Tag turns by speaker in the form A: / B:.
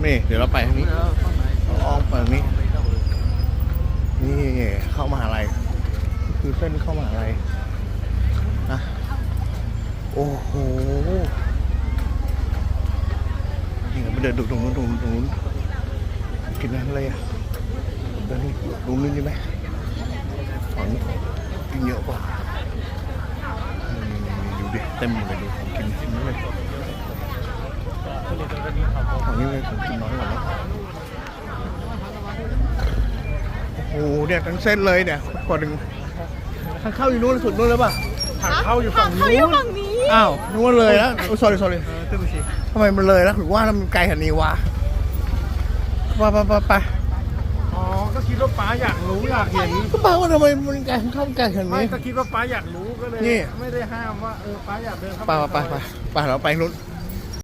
A: นี่เดี๋ยวเราไปทางนี้อ้อมไปทางนี้นี่เข้ามหาลัยคือเส้นเข้ามหาลัยนะโอ้โหนี่เราไปเดินดูตรงนู้นกินอะไรอ่ะเดินดูนู่นดีไหมฝั่งนี้กินเยอะกว่าดูดิเต็มเลยดูของกินนี่เลยฝั่งนี้เลยของกินน้อยกว่าแล้วโอ้โหเนี่ยทั้งเส้นเลยเนี่ยคนหนึ่งทางเข้าอยู่นู้นสุดนู้นเลยป่ะ
B: ทางเข้าอยู่ฝั่งนู้น
A: อ้าวนึกว่าเลยแล้วโอ้ sorry ทำไมมันเลยแล้วถึงว่ามันไกลขนาดนี้วะไป
B: อ๋อก็คิดว่าป้าอยากรู้อยากเห็น
A: ก็บอกว่าทำไมมันไกลเข้าไกลขนาด
B: ไม่
A: นี้
B: ก็คิดว่าป้าอยากรู้ก็เลย
A: นี่
B: ไม่ได้ห้ามว่าป้าอยากเดินเข้า
A: ไปเราไปนู้น